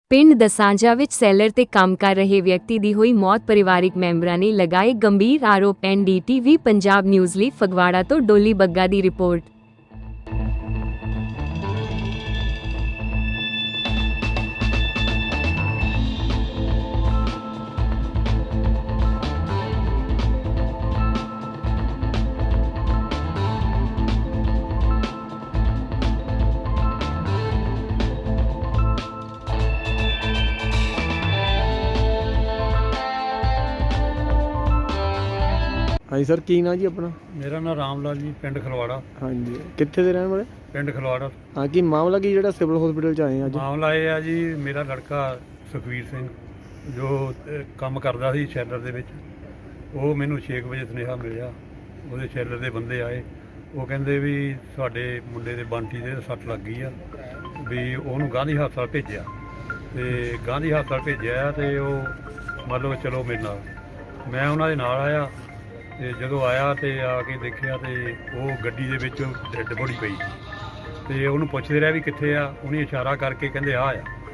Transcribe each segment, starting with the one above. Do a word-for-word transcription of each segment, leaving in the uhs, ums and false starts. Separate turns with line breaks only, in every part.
ਪਿੰਡ ਦਸਾਂਜਾ ਵਿੱਚ ਸੈਲਰ ਤੇ ਕੰਮ ਕਰ ਰਹੇ ਵਿਅਕਤੀ ਦੀ ਹੋਈ ਮੌਤ। ਪਰਿਵਾਰਿਕ ਮੈਂਬਰਾਂ ਨੇ ਲਗਾਏ ਗੰਭੀਰ ਆਰੋਪ। N D T V Punjab news ਲਈ ਫਗਵਾੜਾ ਤੋਂ ਡੋਲੀ ਬੱਗਾ ਦੀ ਰਿਪੋਰਟ।
हाँ जी सर, की ना जी अपना?
मेरा नाम राम लाल जी, पिंड खलवाड़ा।
हाँ जी, कितने दे रहने वाले?
पिंड खलवाड़ा।
हाँ, की मामला की ਜਿਹੜਾ ਸਿਵਲ ਹਸਪੀਟਲ ਚ ਆਏ ਅੱਜ?
ਮਾਮਲਾ ਇਹ ਆ ਜੀ, ਮੇਰਾ ਲੜਕਾ ਸੁਖਵੀਰ ਸਿੰਘ ਜੋ ਅਹ, ਕੰਮ ਕਰਦਾ ਸੀ ਸ਼ੈਲਰ ਦੇ ਵਿੱਚ, ਉਹ ਮੈਨੂੰ ਛੇ ਕੁ ਵਜੇ ਸੁਨੇਹਾ ਮਿਲਿਆ। ਉਹਦੇ ਸ਼ੈਲਰ ਦੇ ਬੰਦੇ ਆਏ, ਉਹ ਕਹਿੰਦੇ ਵੀ ਤੁਹਾਡੇ ਮੁੰਡੇ ਦੇ ਬੰਟੀ ਦੇ ਸੱਟ ਲੱਗ ਗਈ ਆ, ਵੀ ਉਹਨੂੰ ਗਾਂਧੀ ਹਸਪਤਾਲ ਭੇਜਿਆ। ਤੇ ਗਾਂਧੀ ਹਸਪਤਾਲ ਭੇਜਿਆ ਤੇ ਉਹ ਮੰਨ ਲਓ ਚਲੋ ਮੇਰੇ ਨਾਲ, ਮੈਂ ਉਹਨਾਂ ਦੇ ਨਾਲ ਆਇਆ। ਤੇ ਜਦੋਂ ਆਇਆ ਤੇ ਆ ਕੇ ਦੇਖਿਆ ਤੇ ਉਹ ਗੱਡੀ ਦੇ ਵਿੱਚ ਡੈੱਡ ਬੋਡੀ ਪਈ ਤੇ ਉਹਨੂੰ ਪੁੱਛਦੇ ਰਿਹਾ ਵੀ ਕਿੱਥੇ ਆ। ਉਹਨੇ ਇਸ਼ਾਰਾ ਕਰਕੇ ਕਹਿੰਦੇ ਆ ਆ।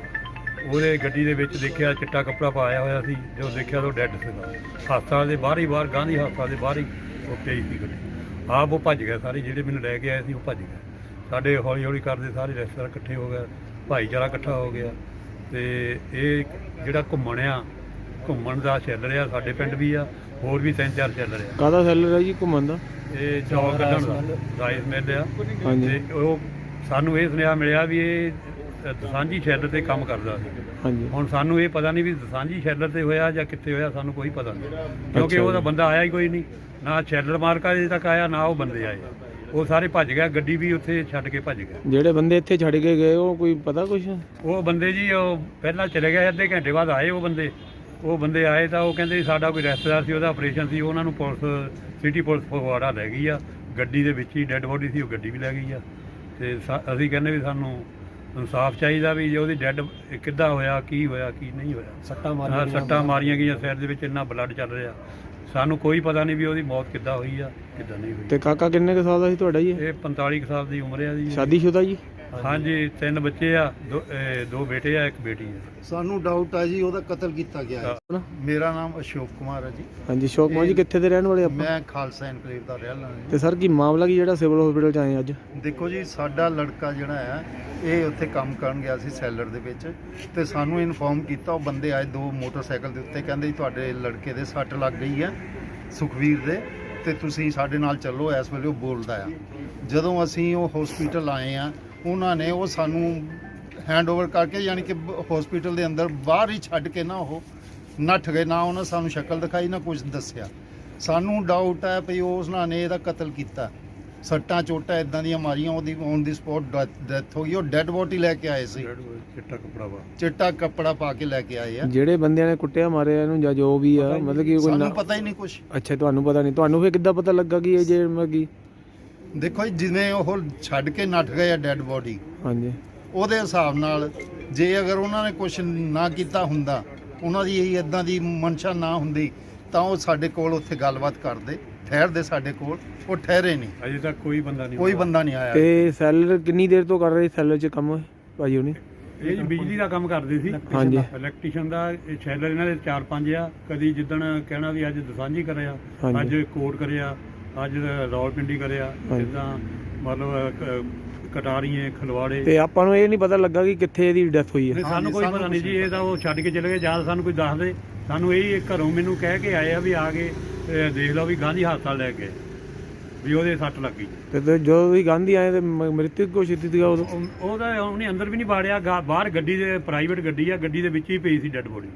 ਉਹਦੇ ਗੱਡੀ ਦੇ ਵਿੱਚ ਦੇਖਿਆ ਚਿੱਟਾ ਕੱਪੜਾ ਪਾਇਆ ਹੋਇਆ ਸੀ। ਜਦੋਂ ਦੇਖਿਆ ਤਾਂ ਉਹ ਡੈੱਡ ਸੀਗਾ। ਹਸਪਤਾਲ ਦੇ ਬਾਹਰ ਹੀ ਬਾਹਰ ਗਾਂਧੀ ਹਸਪਤਾਲ ਦੇ ਬਾਹਰ ਹੀ ਉਹ ਪਈ ਸੀ ਗੱਡੀ। ਆਪ ਉਹ ਭੱਜ ਗਿਆ, ਸਾਰੇ ਜਿਹੜੇ ਮੈਨੂੰ ਲੈ ਕੇ ਆਏ ਸੀ ਉਹ ਭੱਜ ਗਏ। ਸਾਡੇ ਹੌਲੀ ਹੌਲੀ ਕਰਦੇ ਸਾਰੇ ਰਿਸ਼ਤੇਦਾਰ ਇਕੱਠੇ ਹੋ ਗਏ, ਭਾਈਚਾਰਾ ਇਕੱਠਾ ਹੋ ਗਿਆ। ਤੇ ਇਹ ਜਿਹੜਾ ਘੁੰਮਣ ਆ, ਘੁੰਮਣ ਦਾ ਚੱਲ ਰਿਹਾ। ਸਾਡੇ ਪਿੰਡ ਵੀ ਆ, ਹੋਰ ਵੀ ਤਿੰਨ ਚਾਰ ਚੱਲ ਰਿਹਾ।
ਕਾਹਦਾ ਸੈਲਰ ਹੈ ਜੀ ਘੁੰਮਣ ਦਾ?
ਇਹ ਚੌਲ ਕੱਢਣ ਦਾ ਰਾਈਸ ਮਿਲ ਆ।
ਹਾਂਜੀ।
ਤੇ ਉਹ ਸਾਨੂੰ ਇਹ ਸੁਨੇਹਾ ਮਿਲਿਆ ਵੀ ਇਹ ਦਸਾਂਝੀ ਸ਼ੈਲਰ ਤੇ ਕੰਮ ਕਰਦਾ ਸੀ।
ਹਾਂਜੀ।
ਹੁਣ ਸਾਨੂੰ ਇਹ ਪਤਾ ਨਹੀਂ ਵੀ ਦਸਾਂਝੀ ਸ਼ੈਲਰ ਤੇ ਹੋਇਆ ਜਾਂ ਕਿੱਥੇ ਹੋਇਆ, ਸਾਨੂੰ ਕੋਈ ਪਤਾ ਨਹੀਂ, ਕਿਉਂਕਿ
ਅੱਛਾ
ਉਹਦਾ
ਜੀ।
ਬੰਦਾ ਆਇਆ ਹੀ ਕੋਈ ਨਹੀਂ। ਨਾ ਸ਼ੈਲਰ ਮਾਰਕਾ ਅਜੇ ਤੱਕ ਆਇਆ, ਨਾ ਉਹ ਬੰਦੇ ਆਏ। ਉਹ ਸਾਰੇ ਭੱਜ ਗਿਆ, ਗੱਡੀ ਵੀ ਉੱਥੇ ਛੱਡ ਕੇ ਭੱਜ ਗਿਆ।
ਜਿਹੜੇ ਬੰਦੇ ਇੱਥੇ ਛੱਡ ਕੇ ਗਏ ਉਹ ਕੋਈ ਪਤਾ ਕੁਛ?
ਉਹ ਬੰਦੇ ਜੀ ਉਹ ਪਹਿਲਾਂ ਚਲੇ ਗਏ, ਅੱਧੇ ਘੰਟੇ ਬਾਅਦ ਆਏ ਉਹ ਬੰਦੇ। ਉਹ ਬੰਦੇ ਆਏ ਤਾਂ ਉਹ ਕਹਿੰਦੇ ਸਾਡਾ ਕੋਈ ਰਿਸ਼ਤੇਦਾਰ ਸੀ, ਉਹਦਾ ਆਪਰੇਸ਼ਨ ਸੀ, ਉਹਨਾਂ ਨੂੰ ਪੁਲਿਸ ਸਿਟੀ ਪੁਲਿਸ ਫਗਵਾੜਾ ਲੈ ਗਈ ਆ। ਗੱਡੀ ਦੇ ਵਿੱਚ ਹੀ ਡੈੱਡ ਬੋਡੀ ਸੀ, ਉਹ ਗੱਡੀ ਵੀ ਲੈ ਗਈ ਆ। ਤੇ ਸਾ- ਅਸੀਂ ਕਹਿੰਦੇ ਵੀ ਸਾਨੂੰ ਇਨਸਾਫ ਚਾਹੀਦਾ ਵੀ ਜੇ ਉਹਦੀ ਡੈੱਡ ਕਿੱਦਾਂ ਹੋਇਆ, ਕੀ ਹੋਇਆ, ਕੀ ਨਹੀਂ ਹੋਇਆ।
ਸੱਟਾਂ
ਹਾਂ, ਸੱਟਾਂ ਮਾਰੀਆਂ ਗਈਆਂ ਸਿਰ ਦੇ ਵਿੱਚ, ਇੰਨਾ ਬਲੱਡ ਚੱਲ ਰਿਹਾ। ਸਾਨੂੰ ਕੋਈ ਪਤਾ ਨਹੀਂ ਵੀ ਉਹਦੀ ਮੌਤ ਕਿੱਦਾਂ ਹੋਈ ਆ, ਕਿੱਦਾਂ ਨਹੀਂ ਹੋਈ।
ਤੇ ਕਾਕਾ ਕਿੰਨੇ ਕੁ ਸਾਲ ਦਾ ਸੀ ਤੁਹਾਡਾ ਜੀ?
ਇਹ ਪੰਤਾਲੀ ਕੁ ਸਾਲ ਦੀ ਉਮਰ ਆ ਜੀ।
ਸ਼ਾਦੀशुदा ਜੀ?
ਹਾਂਜੀ, ਤਿੰਨ ਬੱਚੇ ਆ, ਦੋ ਇਹ ਦੋ ਬੇਟੇ ਆ, ਇੱਕ ਬੇਟੀ ਆ।
ਸਾਨੂੰ ਡਾਊਟ ਹੈ ਜੀ ਉਹਦਾ ਕਤਲ ਕੀਤਾ ਗਿਆ ਹੈ।
ਆਪਣਾ?
ਮੇਰਾ ਨਾਮ ਅਸ਼ੋਕ ਕੁਮਾਰ ਹੈ ਜੀ।
ਹਾਂਜੀ, ਸ਼ੋਕ ਮਾਂ ਜੀ ਕਿੱਥੇ ਦੇ ਰਹਿਣ ਵਾਲੇ ਆਪਾਂ?
ਮੈਂ ਖਾਲਸਾ ਇਨਕਲੇਵ ਦਾ ਰਹਿਣ ਵਾਲਾ
ਤੇ ਸਰ ਕੀ ਮਾਮਲਾ ਕੀ ਜਿਹੜਾ ਸਿਵਲ ਹਸਪੀਟਲ ਚ ਆਏ ਅੱਜ?
ਹਾਂ। ਦੇਖੋ ਜੀ, ਸਾਡਾ ਲੜਕਾ ਜਿਹੜਾ ਹੈ ਇਹ ਉੱਥੇ ਕੰਮ ਕਰਨ ਗਿਆ ਸੀ ਸੈਲਰ ਦੇ ਵਿੱਚ, ਤੇ ਸਾਨੂੰ ਇਨਫੋਰਮ ਕੀਤਾ। ਉਹ ਬੰਦੇ ਆਏ ਦੋ ਮੋਟਰਸਾਈਕਲ ਦੇ ਉੱਤੇ, ਕਹਿੰਦੇ ਜੀ ਤੁਹਾਡੇ ਲੜਕੇ ਦੇ ਸੱਟ ਲੱਗ ਗਈ ਹੈ, ਸੁਖਵੀਰ ਦੇ, ਤੇ ਤੁਸੀਂ ਸਾਡੇ ਨਾਲ ਚੱਲੋ। ਇਸ ਵੇਲੇ ਉਹ ਬੋਲਦਾ ਆ। ਜਦੋਂ ਅਸੀਂ ਉਹ ਹਸਪੀਟਲ ਆਏ ਆ, ਉਹਨਾਂ ਨੇ ਉਹ ਸਾਨੂੰ ਹੈਂਡਓਵਰ ਕਰਕੇ, ਯਾਨੀ ਕਿ ਹਸਪੀਟਲ ਦੇ ਅੰਦਰ ਬਾਹਰ ਹੀ ਛੱਡ ਕੇ ਨਾ ਉਹ ਨੱਠ ਗਏ। ਨਾ ਉਹਨਾਂ ਸਾਨੂੰ ਸ਼ਕਲ ਦਿਖਾਈ, ਨਾ ਕੁਝ ਦੱਸਿਆ। ਸਾਨੂੰ ਡਾਊਟ ਹੈ ਵੀ ਉਹਨਾਂ ਨੇ ਇਹਦਾ ਕਤਲ ਕੀਤਾ। ਸੱਟਾਂ ਚੋਟਾਂ ਇਦਾਂ ਦੀਆਂ ਮਾਰੀਆਂ, ਉਹਦੀ ਔਨ ਦੀ ਸਪੌਟ ਡੈਥ ਹੋ ਗਈ। ਉਹ ਡੈੱਡ ਬੋਡੀ ਲੈ ਕੇ ਆਏ ਸੀ,
ਚਿੱਟਾ ਕੱਪੜਾ ਵਾ
ਚਿੱਟਾ ਕੱਪੜਾ ਪਾ ਕੇ ਲੈ ਕੇ ਆਏ ਆ।
ਜਿਹੜੇ ਬੰਦਿਆਂ ਨੇ ਕੁੱਟਿਆ ਮਾਰਿਆ ਇਹਨੂੰ ਜਾਂ ਜੋ ਵੀ ਆ, ਮਤਲਬ ਕਿ ਕੋਈ
ਸਾਨੂੰ
ਨਾ-
ਪਤਾ ਹੀ ਨਹੀਂ ਕੁਝ।
ਅੱਛਾ, ਤੁਹਾਨੂੰ ਪਤਾ ਨਹੀਂ? ਤੁਹਾਨੂੰ ਫਿਰ ਕਿੱਦਾਂ ਪਤਾ ਲੱਗਾ ਕਿ ਇਹ ਜੇ ਮਤਲਬ ਕਿ?
ਦੇਖੋ ਜੀ, ਜਿਵੇਂ ਉਹ ਛੱਡ ਕੇ ਨੱਠ ਗਏ ਆ ਡੈੱਡ ਬੋਡੀ,
ਹਾਂਜੀ।
ਉਹਦੇ ਹਿਸਾਬ ਨਾਲ ਜੇ ਅਗਰ ਉਹਨਾਂ ਨੇ ਕੁਝ ਨਾ ਕੀਤਾ ਹੁੰਦਾ, ਉਹਨਾਂ ਦੀ ਇਹ ਇਦਾਂ ਦੀ ਮਨਸ਼ਾ ਨਾ ਹੁੰਦੀ, ਤਾਂ ਉਹ ਸਾਡੇ ਕੋਲ ਉੱਥੇ ਗੱਲਬਾਤ ਕਰਦੇ, ਠਹਿਰਦੇ ਸਾਡੇ ਕੋਲ। ਉਹ ਠਹਿਰੇ ਨਹੀਂ,
ਅਜੇ ਤੱਕ ਕੋਈ ਬੰਦਾ ਨਹੀਂ
ਕੋਈ ਬੰਦਾ ਨਹੀਂ ਆਇਆ।
ਤੇ ਸੈਲਰ ਕਿੰਨੀ ਦੇਰ ਤੋਂ ਕਰ ਰਹੇ ਸੈਲਰ ਚ ਕੰਮ ਭਾਜੀ ਉਹਨੇ?
ਇਹ ਜੀ ਬਿਜਲੀ ਦਾ ਕੰਮ ਕਰਦੇ ਸੀ।
ਹਾਂਜੀ।
ਇਲੈਕਟ੍ਰੀਸ਼ੀਅਨ ਦਾ। ਇਹ ਸ਼ੈਲਰ ਇਹਨਾਂ ਦੇ ਚਾਰ ਪੰਜ ਆ। ਕਦੀ ਜਿੱਦਣ ਕਹਿਣਾ ਵੀ ਅੱਜ ਦਸਾਂਝੀ ਕਰਿਆ,
ਹਾਂਜੀ।
ਅੱਜ ਕੋਟ ਕਰਿਆ, ਅੱਜ ਰਾਵਲਪਿੰਡੀ ਕਰਿਆ,
ਹਾਂਜੀ।
ਜਿੱਦਾਂ ਮਤਲਬ ਕ- ਕਟਾਰੀਏ, ਖਲਵਾੜੇ।
ਤੇ ਆਪਾਂ ਨੂੰ ਇਹ ਨਹੀਂ ਪਤਾ ਲੱਗਾ ਕਿ ਕਿੱਥੇ ਇਹਦੀ ਡੈਥ ਹੋਈ ਹੈ?
ਨਹੀਂ, ਸਾਨੂੰ
ਹਾਂਜੀ,
ਕੋਈ
ਸਾਨੂੰ
ਪਤਾ ਨਹੀਂ
ਕੁਛ
ਜੀ। ਇਹ ਤਾਂ ਉਹ ਛੱਡ ਕੇ ਚਲੇ ਗਏ, ਜਾਂ ਸਾਨੂੰ ਕੋਈ ਦੱਸ ਦੇ। ਸਾਨੂੰ ਇਹ ਘਰੋਂ ਮੈਨੂੰ ਕਹਿ ਕੇ ਆਏ ਆ ਵੀ ਆ ਕੇ ਇਹ ਦੇਖ ਲਓ ਵੀ ਗਾਂਧੀ ਹਸਪਤਾਲ ਲੈ ਕੇ ਵੀ ਉਹਦੇ ਸੱਟ ਲੱਗੀ।
ਤੇ ਤੇ ਜਦੋਂ ਵੀ ਗਾਂਧੀ ਆਏ ਤੇ ਮ- ਮ੍ਰਿਤਕ ਘੋਸ਼ਿਤ ਸੀਗਾ ਉਦੋਂ?
ਉਹ- ਉਹਦਾ ਉਹਨੇ ਅੰਦਰ ਵੀ ਨਹੀਂ ਵਾੜਿਆ, ਗਾ- ਬਾਹਰ ਗੱਡੀ ਦੇ, ਪ੍ਰਾਈਵੇਟ ਗੱਡੀ ਆ, ਗੱਡੀ ਦੇ ਵਿੱਚ ਹੀ ਪਈ ਸੀ ਡੈੱਡ ਬੋਡੀ।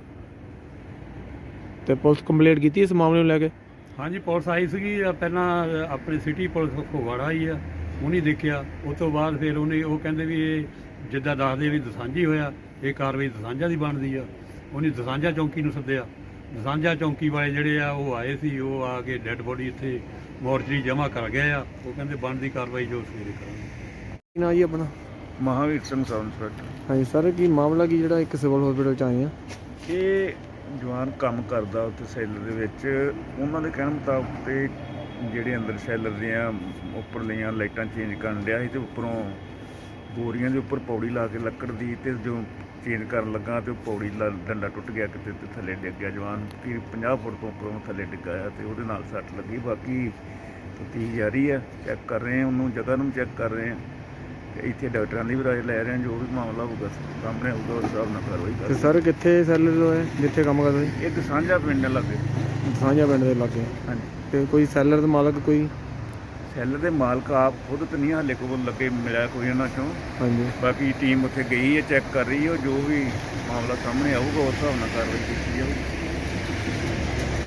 ਤੇ ਪੁਲਿਸ ਕੰਪਲੇਂਟ ਕੀਤੀ ਇਸ ਮਾਮਲੇ ਨੂੰ ਲੈ ਕੇ?
ਹਾਂਜੀ, ਪੁਲਿਸ ਆਈ ਸੀਗੀ ਪਹਿਲਾਂ, ਆਪਣੀ ਸਿਟੀ ਪੁਲਿਸ ਫਗਵਾੜਾ ਆਈ ਆ, ਉਹਨੇ ਦੇਖਿਆ। ਉਸ ਤੋਂ ਬਾਅਦ ਫਿਰ ਉਹਨੇ ਉਹ ਕਹਿੰਦੇ ਵੀ ਇਹ ਜਿੱਦਾਂ ਦੱਸਦੇ ਵੀ ਦਸਾਂਝੀ ਹੋਇਆ, ਇਹ ਕਾਰਵਾਈ ਦਸਾਂਝਾ ਦੀ ਬਣਦੀ ਆ। ਉਹਨੇ ਦਸਾਂਝਾ ਚੌਂਕੀ ਨੂੰ ਸੱਦਿਆ। ਦਸਾਂਝਾ ਚੌਂਕੀ ਵਾਲੇ ਜਿਹੜੇ ਆ ਉਹ ਆਏ ਸੀ, ਉਹ ਆ ਕੇ ਡੈੱਡ ਬੋਡੀ ਇੱਥੇ ਮੋਰਚਰੀ ਜਮ੍ਹਾਂ ਕਰ ਗਏ ਆ। ਉਹ ਕਹਿੰਦੇ ਬਣਦੀ ਕਾਰਵਾਈ ਜੋ ਸਵੇਰੇ ਕਰਾਂਗੇ।
ਕੀ ਨਾਂ ਜੀ ਆਪਣਾ?
Mahavir Singh sub inspector.
ਹਾਂਜੀ ਸਰ, ਕੀ ਮਾਮਲਾ ਕੀ ਜਿਹੜਾ ਇੱਕ ਸਿਵਲ ਹਸਪੀਟਲ ਚ ਆਏ ਆ?
ਇਹ ਜਵਾਨ ਕੰਮ ਕਰਦਾ ਉੱਥੇ ਸੈਲਰ ਦੇ ਵਿੱਚ। ਉਹਨਾਂ ਦੇ ਕਹਿਣ ਮੁਤਾਬਕ ਤੇ ਜਿਹੜੇ ਅੰਦਰ ਸੈਲਰ ਦੀਆਂ ਉੱਪਰਲੀਆਂ ਲਾਈਟਾਂ ਚੇਂਜ ਕਰਨ ਡਿਆ ਸੀ ਤੇ ਉੱਪਰੋਂ ਬੋਰੀਆਂ ਦੇ ਉੱਪਰ ਪੌੜੀ ਲਾ ਕੇ ਲੱਕੜ ਦੀ, ਤੇ ਜੋ ਚੇਂਜ ਕਰਨ ਲੱਗਾ ਤੇ ਉਹ ਪੌੜੀ ਲਾ ਡੰਡਾ ਟੁੱਟ ਗਿਆ ਕਿਤੇ ਤੇ ਥੱਲੇ ਡਿੱਗ ਗਿਆ। ਜਵਾਨ ਕਿ ਪੰਜਾਹ ਫੁੱਟ ਤੋਂ ਉੱਪਰੋਂ ਥੱਲੇ ਡਿੱਗਾ ਆ ਤੇ ਉਹਦੇ ਨਾਲ ਸੱਟ ਲੱਗੀ। ਬਾਕੀ ਤਫਤੀਸ਼ ਜਾਰੀ ਹੈ, ਚੈੱਕ ਕਰ ਰਹੇ ਹਾਂ, ਉਹਨੂੰ ਜਗ੍ਹਾ ਨੂੰ ਚੈੱਕ ਕਰ ਰਹੇ ਹਾਂ ਤੇ ਇੱਥੇ ਡਾਕਟਰਾਂ ਦੀ ਵੀ ਰਾਏ ਲੈ ਰਹੇ ਹਾਂ। ਜੋ ਵੀ ਮਾਮਲਾ ਹੋਊਗਾ ਸਾਹਮਣੇ ਆਊਗਾ ਉਸ ਹਿਸਾਬ ਨਾਲ ਕਾਰਵਾਈ
ਤੇ
ਕਰਾਂਗੇ।
ਸਰ ਕਿੱਥੇ ਸੈਲਰ ਹੋਏ ਜਿੱਥੇ ਕੰਮ ਕਰਦੇ ਸੀ?
ਇੱਕ ਸਾਂਝਾ ਪਿੰਡ ਲੱਗੇ।
ਸਾਂਝਾ ਪਿੰਡ ਦੇ ਲਾਗੇ।
ਹਾਂਜੀ,
ਤੇ ਕੋਈ ਸੈਲਰ ਦਾ ਮਾਲਕ ਕੋਈ?
ਸੈੱਲ ਦੇ ਮਾਲਕ ਆਪ ਖੁਦ ਤਾਂ ਨਹੀਂ ਹਾਲੇ ਕੋਲ ਲੱਗੇ ਮਿਲਿਆ ਕੋਈ ਉਹਨਾਂ ਚੋਂ।
ਹਾਂਜੀ।
ਬਾਕੀ ਟੀਮ ਉੱਥੇ ਗਈ ਹੈ, ਚੈੱਕ ਕਰ ਰਹੀ ਹੈ। ਜੋ ਵੀ ਮਾਮਲਾ ਸਾਹਮਣੇ ਆਊਗਾ ਉਸ ਹਿਸਾਬ ਨਾਲ ਕਾਰਵਾਈ ਕੀਤੀ ਜਾਊਗੀ।